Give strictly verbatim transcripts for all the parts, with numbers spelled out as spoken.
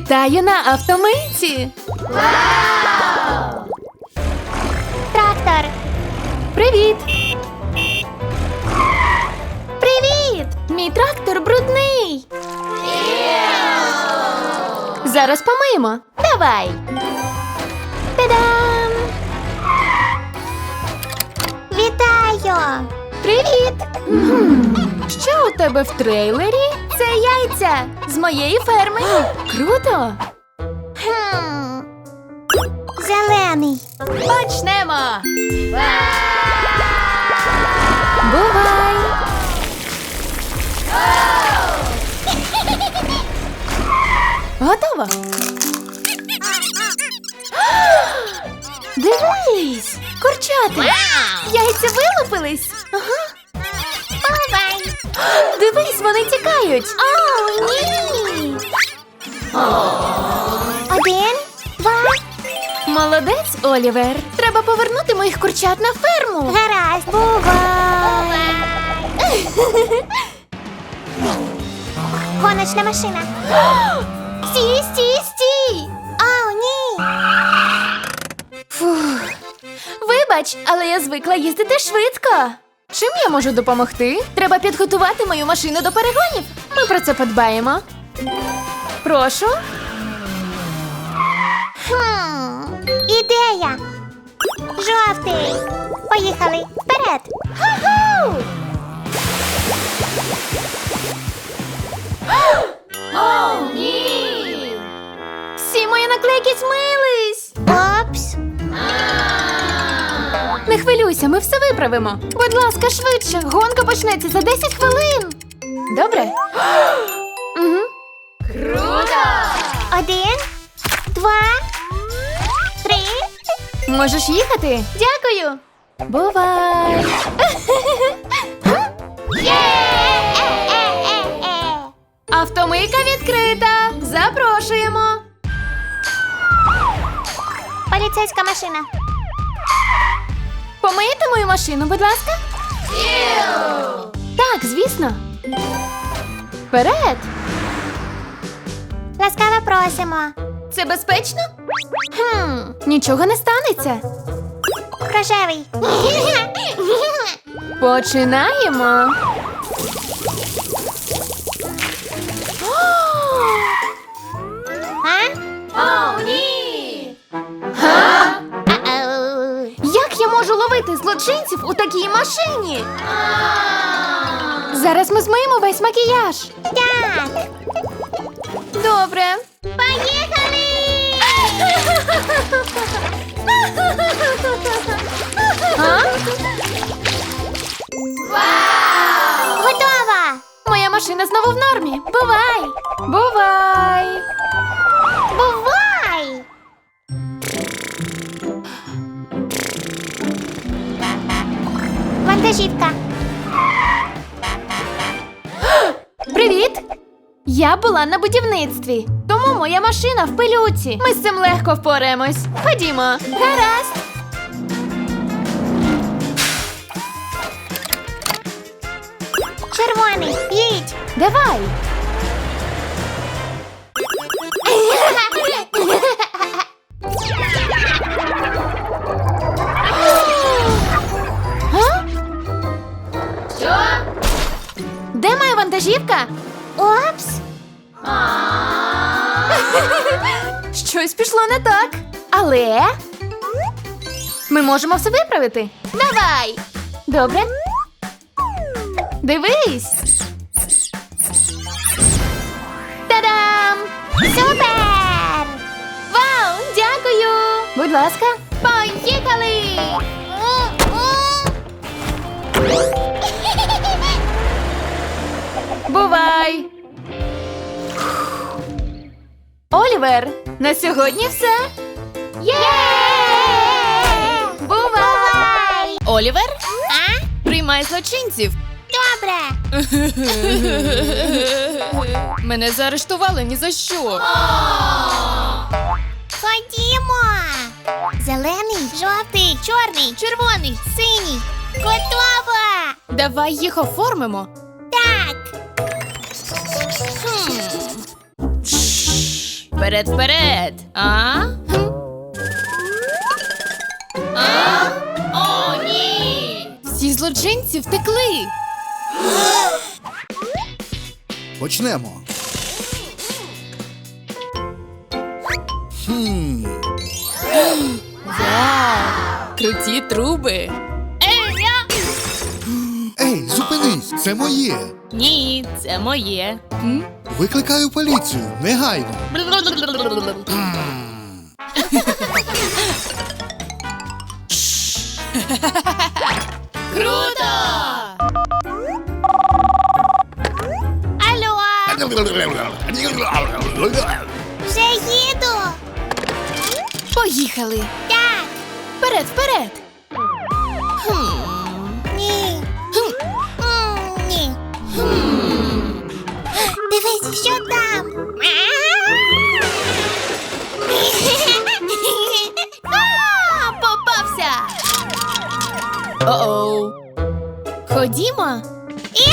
Вітаю на автомийці! Вау! Трактор! Привіт! Привіт! Мій трактор брудний! Зараз помиємо. Давай! Та-дам! Вітаю! Привіт! Що у тебе в трейлері? Це яйця З моєї ферми. Круто! Хм. Зелений. Почнемо! Бувай! Готово! Дивись! Курчата! Яйця вилупились! Ага. Бувай! Дивись, вони тікають! О, ні! Один, два. Молодець, Олівер! Треба повернути моїх курчат на ферму! Гаразд. Бувай! Гоночна машина. Стій, стій, стій! О, ні! Фух. Вибач, але я звикла їздити швидко. Чим я можу допомогти? Треба підготувати мою машину до перегонів. Ми про це подбаємо. Прошу. Хм. Ідея. Жовтий. Поїхали. Вперед. Ху-ху! О, ні! Всі мої наклейки змились. Опс. Не хвилюйся, ми все виправимо. Будь ласка, швидше. Гонка почнеться за десять хвилин. Добре? Угу. Круто! Один, два, три. Можеш їхати? Дякую. Бувай. Є-е-е-е-е. Автомийка відкрита. Запрошуємо. Поліцейська машина. Помиєте мою машину, будь ласка? Так, звісно. Вперед. Ласкаво просимо. Це безпечно? Хм. Нічого не станеться. Рожевий. Починаємо. А? О, ні! Га? Ау. Як я можу ловити злочинців у такій машині? Зараз ми змиємо весь макіяж. Так. Добре. Поїхали! А? Готова! Моя машина знову в нормі. Бувай! Бувай! Бувай! Вантажівка. Привіт! Я була на будівництві, тому моя машина в пилюці. Ми з цим легко впораємось. Ходімо. Гаразд. Червоний. Їдь. Давай. А? Що? Де моя вантажівка? Опс. Щось пішло не так. Але ми можемо все виправити. Давай. Добре. Дивись. Та-дам! Супер! Вау, дякую. Будь ласка, поїхали. Бувай. Олівер, на сьогодні все. Є! Бувай! Олівер, А? приймай злочинців. Добре. Мене заарештували ні за що. Ходімо. Зелений, жовтий, чорний, червоний, синій. Готово. Давай їх оформимо. Так. Хм. Вперед, вперед! А? Хм. А? О, ні! Всі злочинці втекли! Почнемо. Хм. Вау! Круті труби! Ей, я! Ей, зупинись! Це моє! Ні, це моє. М? Викликаю поліцію, негайно. Круто! Алло, вже їду. Поїхали! Так, Вперед, вперед! ні. М, Ні. Дивись, що там. А, попався! О-оу! Ходімо! І?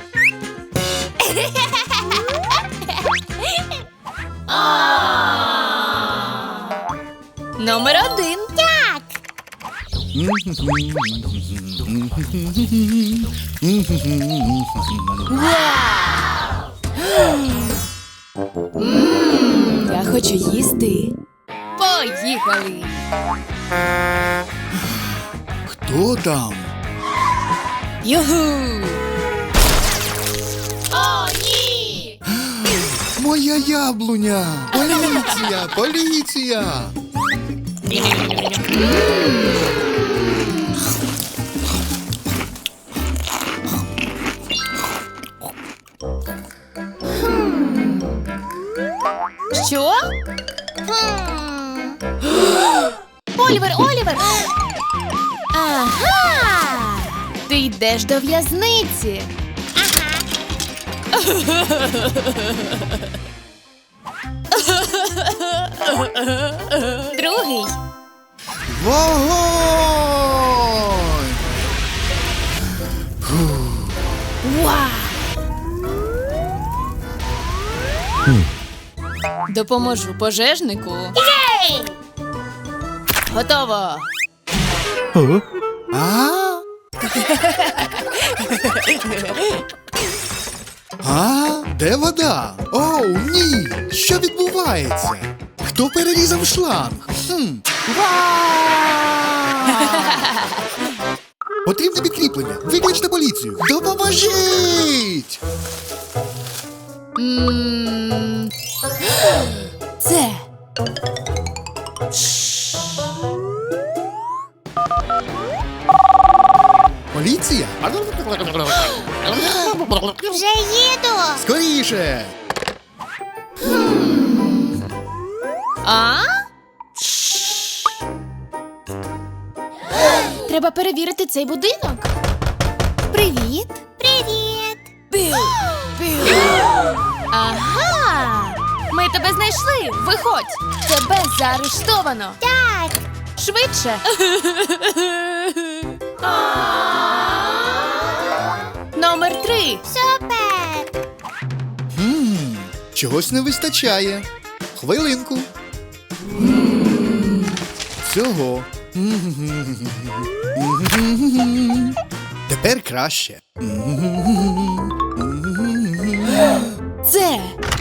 Номер один! Так. Ммм, я хочу їсти. Поїхали! Хто там? Юху! О, ні! Моя яблуня! Поліція! Поліція! Що? Хм. Олівер, Олівер! Ага! Ти йдеш до в'язниці. Другий. Вогонь! Вау! Допоможу пожежнику. Єй! Готово. А? А? Де вода? Оу, ні! Що відбувається? Хто перерізав шланг? Хм. Потрібне підкріплення. Викличте поліцію. Допоможіть! М, Це. Поліція? Вже їду. Скоріше! А? Треба перевірити цей будинок. Привіт. Привіт. Бил. Бил. Ага. Ми тебе знайшли. Виходь. Тебе заарештовано. Так. Швидше. Номер три. Супер. Хм, чогось не вистачає. Хвилинку. Цього. Тепер краще. Це.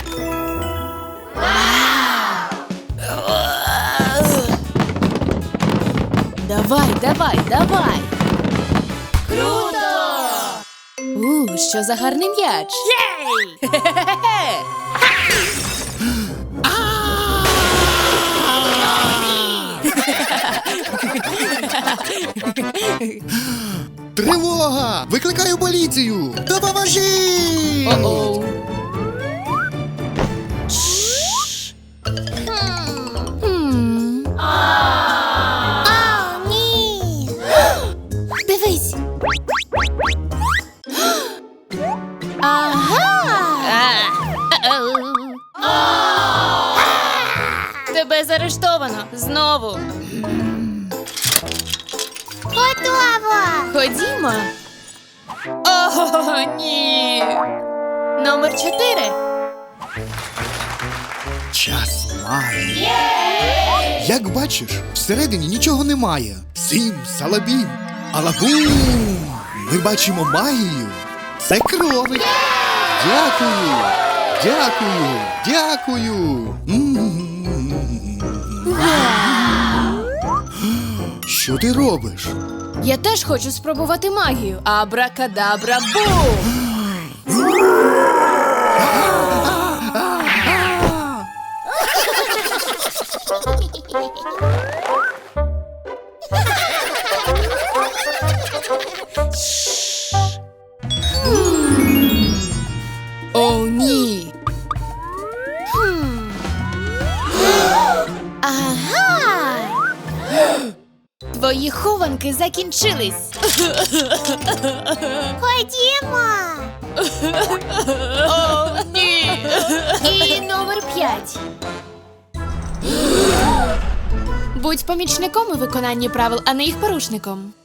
Давай, давай, давай. Круто! У, що за гарний м'яч. Єй! Тривога! Викликаю поліцію! Допоможіть! О-оу. Хм. О, ні. Дивись. Ага. Тебе заарештовано. Знову. Готово. Ходімо. О, ні. Номер чотири. Час магії. Як бачиш, всередині нічого немає. Сім, салабім, алабум. Ми бачимо магію. Це кролик. Дякую. Дякую. Дякую. М. Що ти робиш? Я теж хочу спробувати магію. Абракадабра бум! О, ні. Ага. Твої хованки закінчились. Ходімо. О, ні. І номер п'ять. Будь помічником у виконанні правил, а не їх порушником.